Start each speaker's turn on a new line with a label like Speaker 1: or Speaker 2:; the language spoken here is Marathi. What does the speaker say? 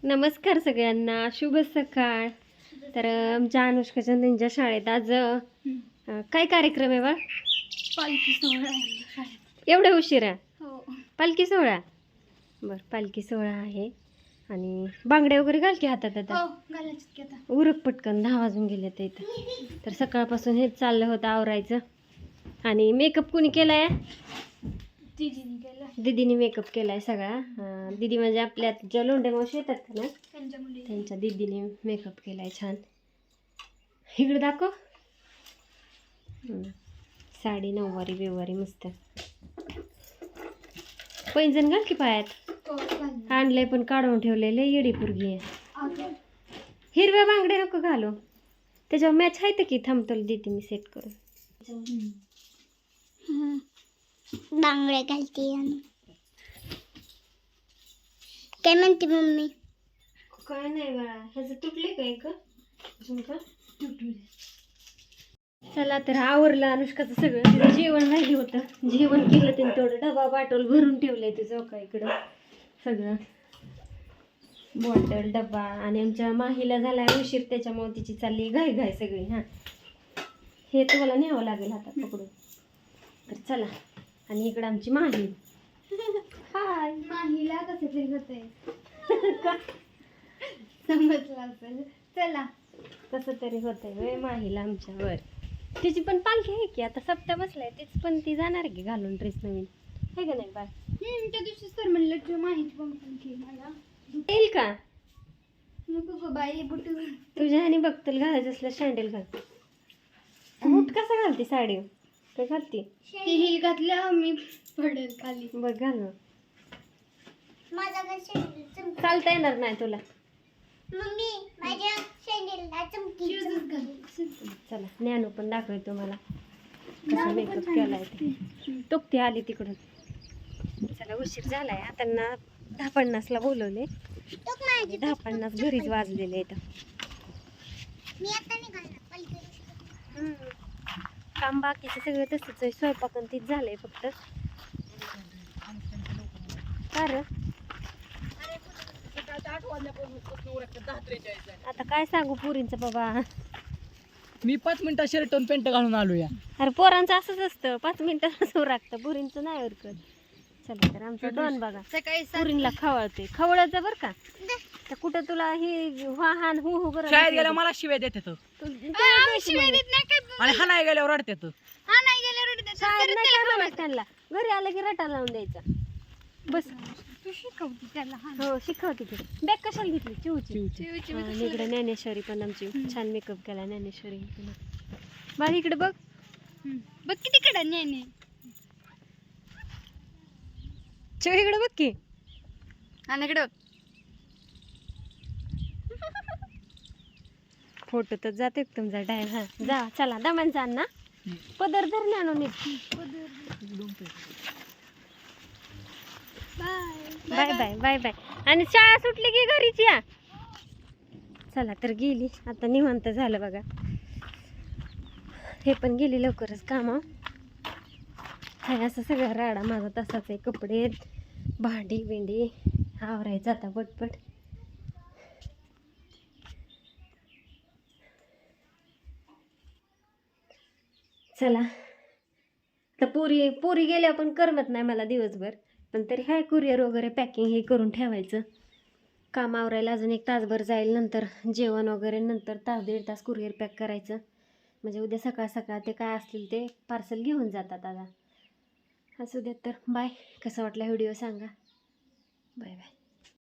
Speaker 1: नमस्कार सगळ्यांना, शुभ सकाळ. तर आमच्या अनुष्काच्या त्यांच्या शाळेत आज काय कार्यक्रम आहे बा?
Speaker 2: पालखी सोहळा आहे शाळेत.
Speaker 1: एवढ्या उशिरा?
Speaker 2: हो.
Speaker 1: पालखी सोहळा. बरं, पालखी सोहळा आहे आणि बांगड्या वगैरे घाल की हातात आता.
Speaker 2: हो, घालायचं की आता.
Speaker 1: उरक पटकन, 10 वाजून गेले तर इथं. तर सकाळपासून हेच चाललं होतं आवरायचं. आणि मेकअप कुणी केलाय?
Speaker 2: दीदीने केलं.
Speaker 1: दीदीने मेकअप केलाय सगळा. दीदी म्हणजे आपल्या ज्या लोंढे मावशी येतात का ना,
Speaker 2: त्यांच्या मुली.
Speaker 1: त्यांच्या दीदीने मेकअप केलाय छान. इकडे दाखव. साडी नऊवारी बेवारी मस्त. पैंजण घाल की पायात.
Speaker 2: हो, घालणार.
Speaker 1: आणलंय पण काढून ठेवलेलं येडी पुरगी आहे.
Speaker 2: अगं,
Speaker 1: हिरव्या बांगड्या नको घालू. त्याच्यावर मॅच आहे की, थांबतोल देते मी सेट करून.
Speaker 2: बांगड्या घालते. काय म्हणते मम्मी?
Speaker 1: काय नाही बाळा, ह्याचं तुटले काय का झुमका? चला तर आवरलं अनुष्काचं सगळं. तिचं जेवण राहिलं होतं, जेवण केलं त्यांनी. थोडं डबा बाटल भरून ठेवलंय तुझं का इकडं सगळं, बॉटल डबा. आणि आमच्या माहीला झालाय उशीर, त्याच्यामुळे तिची चालली घाई घाई सगळी. हां, हे तुम्हाला न्यावं लागेल हातात पकडून. तर चला. आणि इकडं आमची माही. हाय.
Speaker 2: माहीला कसं तरी होतंय. समजलं असेल. चला.
Speaker 1: कसं तरी होतंय होय माहीला आमच्यावर. तिची पण पालखी आहे की, आता सप्त्या बसलाय. तीच पण ती जाणार की घालून ड्रेस नवीन, आहे का नाही बा?
Speaker 2: त्या दिवशीच तर म्हणलं तुझ्या माहिती पण पालखी मला
Speaker 1: येईल का?
Speaker 2: नको गं बाई, बुटू.
Speaker 1: तुझ्या ह्याने बघतील घालायचं असलं सँडल घाल. बूट कसा घालते साडी? काय घालते?
Speaker 2: ते हिल घातलं मी पडेल खाली.
Speaker 1: बघ घालून.
Speaker 2: माझा
Speaker 1: चालता येणार नाही तुला.
Speaker 2: मम्मी माझ्या सँडलला चमकी.
Speaker 1: चला, ज्ञानू पण दाखवते तुम्हाला कसा मेकअप केलाय ते. तुकती आली तिकडून. चला, उशीर झालाय. आता ना 10:50ला बोलवले. 10:50 घरीच वाजलेले इथं.
Speaker 2: मी आता निघाला.
Speaker 1: काम बाकीचं सगळं तसंच आहे. स्वयंपाक आणि तीच झालंय फक्त. कारण आता काय सांगू पुरींचं बाबा.
Speaker 3: मी 5 मिनिटात शर्ट आणि पॅन्ट घालून आलो या.
Speaker 1: अरे पोरांचं असंच असतं, 5 मिनिटात उरकतं. पुरींचं नाही उरकत. चला तर आमचं डॉन बघा
Speaker 2: सकाळी
Speaker 1: पुरींला खवळते. खवळायचं बरं का. तर कुठं तुला ही हान हु हु करत
Speaker 3: शाळेत गेल्यावर मला शिव्या देतात
Speaker 2: शिवाय देत नाही काय.
Speaker 3: आणि हाणाय गेल्यावर रडतात.
Speaker 2: हा नाही गेल्यावर
Speaker 1: शाळेत नाही काय म्हणायचं त्यांना. घरी आलं की रटा लावून द्यायचा. बस.
Speaker 2: तू शिकवते त्याला.
Speaker 1: हो, शिकवते की. बॅग कशाला घेतली? चिवची. इकडे ज्ञानेश्वरी पण आमची छान मेकअप केला. ज्ञानेश्वरी बाळ इकडे बघ.
Speaker 2: बघ किती कडा नाही.
Speaker 1: चिव इकडे बघ की.
Speaker 2: आणि इकडे बघ.
Speaker 1: फोटो तर जाते तुमचा टाइम. हा जा, चला दमान जा ना. पदर धर ना आणून. Bye bye bye bye. आणि शाळा सुटली की घरीच या. चला तर गेली आता, निवांत झालं बघा. हे पण गेली लवकरच कामा. हाय असं सगळा राडा माझा तसाच आहे. कपडे भांडी बिंडी आवरायचं आता पटपट. चला तर पुरी गेल्या पण करमत नाही मला दिवसभर. पण तरी हाय, कुरिअर वगैरे पॅकिंग हे करून ठेवायचं. काम आवरायला अजून 1 तासभर जाईल. नंतर जेवण वगैरे, नंतर तास 1.5 तास कुरिअर पॅक करायचं. म्हणजे उद्या सकाळ सकाळ ते काय असतील ते पार्सल घेऊन जातात. आता असू द्या. तर बाय. कसा वाटला व्हिडिओ सांगा. Bye bye.